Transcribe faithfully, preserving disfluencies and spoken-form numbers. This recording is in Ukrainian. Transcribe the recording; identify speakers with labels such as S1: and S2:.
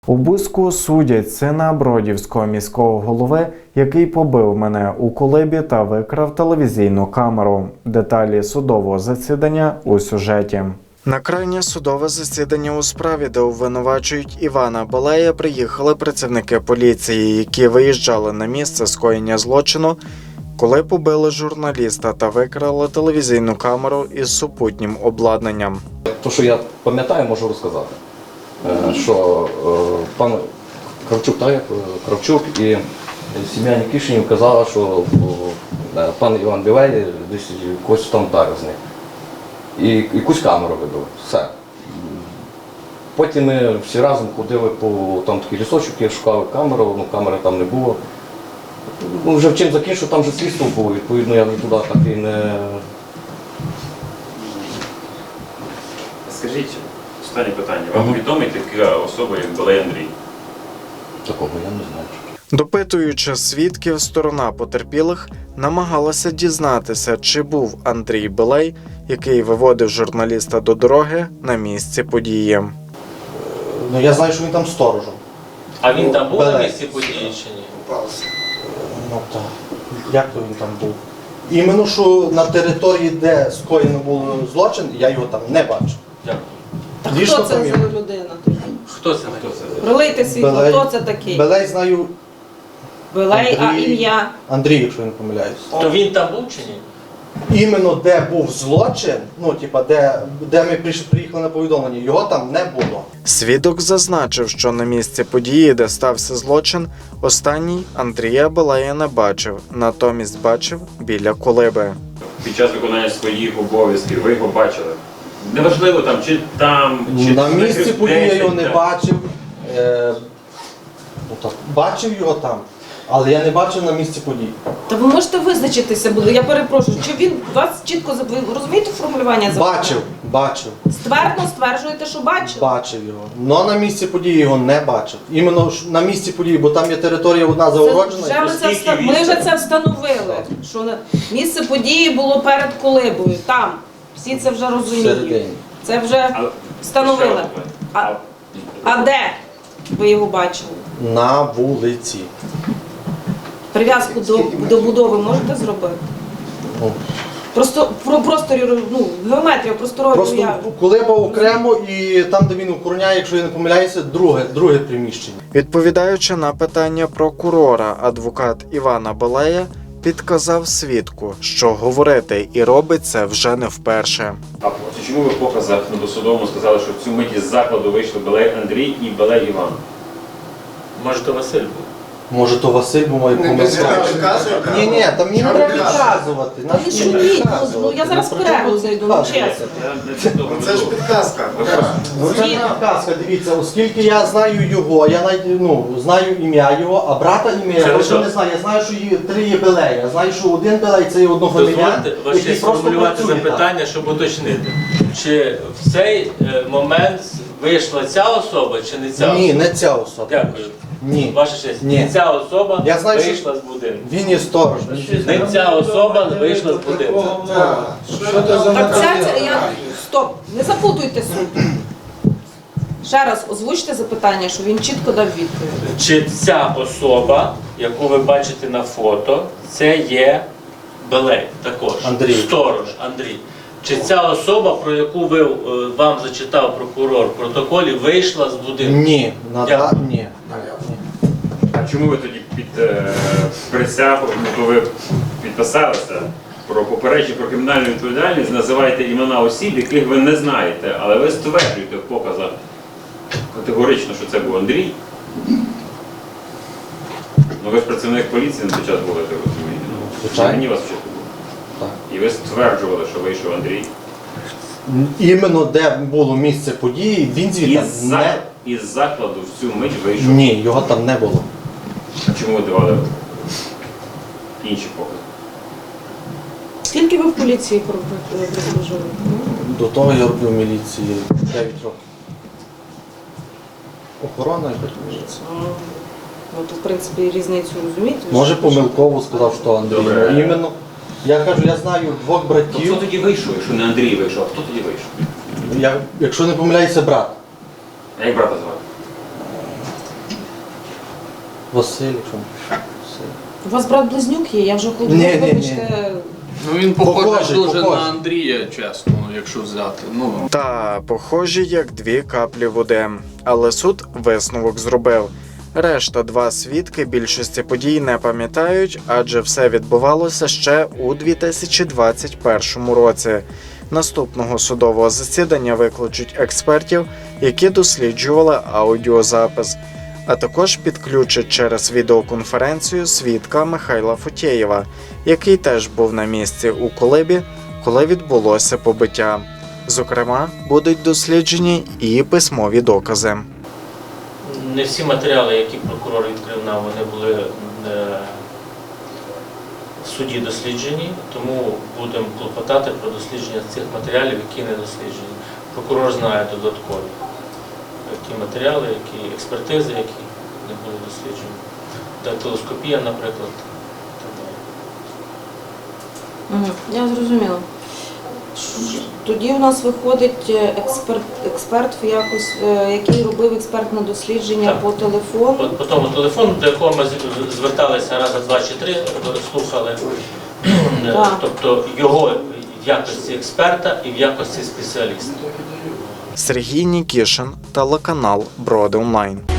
S1: У Буську судять сина Бродівського міського голови, який побив мене у колибі та викрав телевізійну камеру. Деталі судового засідання у сюжеті. На крайнє судове засідання у справі, де обвинувачують Івана Балея, приїхали працівники поліції, які виїжджали на місце скоєння злочину, коли побили журналіста та викрали телевізійну камеру із супутнім обладнанням.
S2: То, що я пам'ятаю, можу розказати. Що пан Кравчук, так, Кравчук і сім'я Нікішинів казала, що пан Іван Білей десь когось там вдарив з них. І якусь камеру вибив. Все. Потім ми всі разом ходили по там такий лісочок, я шукав камеру, ну камери там не було. Ну, вже вчим закінчив, там вже слідство було, відповідно, я вже туди так і не...
S3: Скажіть, останнє питання. Вам відомий така особа, як Балей Андрій?
S2: Такого я не знаю.
S1: Допитуючи свідків, сторона потерпілих намагалася дізнатися, чи був Андрій Балей, який виводив журналіста до дороги, на місці події.
S4: Ну, я знаю, що він там сторожем.
S5: А він там був на
S4: Балей.
S5: місці події чи ні?
S4: Ну так. Як то він там був? Іменно, що на території, де скоєно було злочин, я його там не бачив.
S5: Дякую.
S6: Та
S4: Ліжко
S6: хто це
S4: там
S6: за
S4: є.
S6: людина?
S5: Хто це такий?
S6: Пролийте світло,
S4: Белей.
S6: хто це такий?
S4: Белей знаю
S6: Белей, а
S4: Андрій.
S6: ім'я?
S4: Андрій, якщо я не помиляюсь.
S5: То він там був чи ні?
S4: Іменно де був злочин, ну, типа, де, де ми прийш- приїхали на повідомлення, його там не було.
S1: Свідок зазначив, що на місці події, де стався злочин, останній Андрія Балея не бачив, натомість бачив біля колиби.
S3: Під час виконання своїх обов'язків ви його бачили? Неважливо там, чи там, чи
S4: На
S3: метрів
S4: місці події я
S3: десять,
S4: його не
S3: так.
S4: бачив. Е, ну, так, бачив його там, але я не бачив на місці події.
S6: Та ви можете визначитися, бо я перепрошую, чи він вас чітко зап- ви розумієте формулювання закону?
S4: Бачив, бачив,
S6: Ствердно стверджуєте, що бачив?
S4: бачив його. Но на місці події його не бачив. Іменно ж на місці події, бо там є територія одна
S6: Це
S4: загороджена.
S6: вже ми, це
S3: Оскільки
S6: вста- ми вже
S3: відстань?
S6: це встановили, що на- місце події було перед колибою, там. Всі це вже розуміють.
S4: Всередині.
S6: Це вже
S3: Але
S6: встановили.
S3: ще одне.
S6: А, а де ви його бачили?
S4: На вулиці.
S6: Прив'язку до, до будови можете зробити?
S4: Ну,
S6: Просто про просторі, ну, геометрію, просторові
S4: Просто
S6: уяви.
S4: колиба окремо і там, де він охороняє, якщо я не помиляюся, друге, друге приміщення.
S1: Відповідаючи на питання прокурора, адвокат Івана Балея підказав свідку, що говорити і робить це вже не вперше.
S3: А чому ви в показах на досудовому сказали, що в цю мить із закладу вийшли Балей Андрій і Балей Іван?
S5: Може, то Василь був?
S4: Може, то Василь був має помилково. Ні, ні, там мені не треба відказувати.
S6: Та ви шуміть, ну, ну я зараз в перерву зайду, ну чесно.
S3: Це ж підказка.
S4: Ну, це не підказка, дивіться, оскільки я знаю його, я навіть ну, знаю ім'я його, а брата ім'я я
S5: Хорошо.
S4: точно не знаю. Я знаю, що є три є Белея. Я знаю, що один Белей це є однофаміліян,
S5: Дозвольте ваше
S4: який просто
S5: сформулювати
S4: працює там.
S5: запитання, щоб уточнити. Чи в цей е, момент вийшла ця особа, чи не ця
S4: Ні,
S5: особа?
S4: не ця особа.
S5: Дякую.
S4: Ні.
S5: Ваша честь,
S4: Ні.
S5: не ця особа
S4: Я знаю, що-
S5: вийшла з будинку.
S4: Він є сторож.
S5: Не ця особа вийшла з будинку.
S6: Так ця, ця, я, стоп, не запутуйте суть. Ще раз озвучте запитання, щоб він чітко дав відповідь.
S5: Чи ця особа, яку ви бачите на фото, це є Белей також?
S4: Андрій.
S5: Сторож Андрій. Чи ця особа, про яку ви, е, вам зачитав прокурор в протоколі, вийшла з будинку?
S4: Ні, на
S5: Дякую.
S4: да, ні.
S3: А чому ви тоді під е, присягу, ну, то ви підписалися про попередження про кримінальну відповідальність, називаєте імена осіб, яких ви не знаєте, але ви стверджуєте в показах категорично, що це був Андрій. Ну ви ж працівник поліції на той час були, так розумієте. Ну,
S4: Звичайно.
S3: мені вас вчити було.
S4: Так.
S3: І ви стверджували, що вийшов Андрій.
S4: Іменно де було місце події, він звідти
S3: Із,
S4: не...
S3: зак... Із закладу в цю мить вийшов.
S4: Ні, його там не було.
S3: А чому ви давали інші покази?
S6: Скільки ви в поліції прослужили?
S4: До того я робив в міліції дев'ять років. Охорона і міліція.
S6: Ну, то, в принципі, різницю розумієте?
S4: Може помилково сказав, що Андрій.
S3: Добре.
S4: Ну, іменно. Я кажу, я знаю двох
S3: Ну, хто
S4: братів.
S3: тоді вийшов, якщо не Андрій вийшов, а хто тоді вийшов?
S4: Я, якщо не помиляюся, брат.
S3: А як брата звати?
S4: Василь, якщо Василь.
S6: У вас брат-близнюк є, я вже ходила,
S4: Ні, ні, ні.
S6: вибачте.
S7: Ну він похожий
S4: Похожий,
S7: дуже
S4: похожий.
S7: на Андрія, чесно, якщо взяти. Ну,
S1: Та похожі як дві каплі води. Але суд висновок зробив. Решта два свідки більшості подій не пам'ятають, адже все відбувалося ще у дві тисячі двадцять першому році. Наступного судового засідання викличуть експертів, які досліджували аудіозапис, а також підключать через відеоконференцію свідка Михайла Фотєєва, який теж був на місці у колибі, коли відбулося побиття. Зокрема, будуть досліджені і письмові докази.
S5: Не всі матеріали, які прокурор відкрив нам, вони були е, в суді досліджені, тому будемо клопотати про дослідження цих матеріалів, які не досліджені. Прокурор знає додаткові, які матеріали, які експертизи, які не були досліджені. Дактилоскопія, наприклад. так далі.
S6: Мгм, я зрозуміла. Ш- Тоді у нас виходить е, експерт, експерт в якось, е, який робив експертне дослідження
S5: Так.
S6: по телефону.
S5: По, по тому телефону, до якого ми з- зверталися рази два чи три, слухали.
S6: Так.
S5: Тобто його в якості експерта і в якості спеціаліста.
S1: Сергій Нікішин, телеканал Броди Онлайн.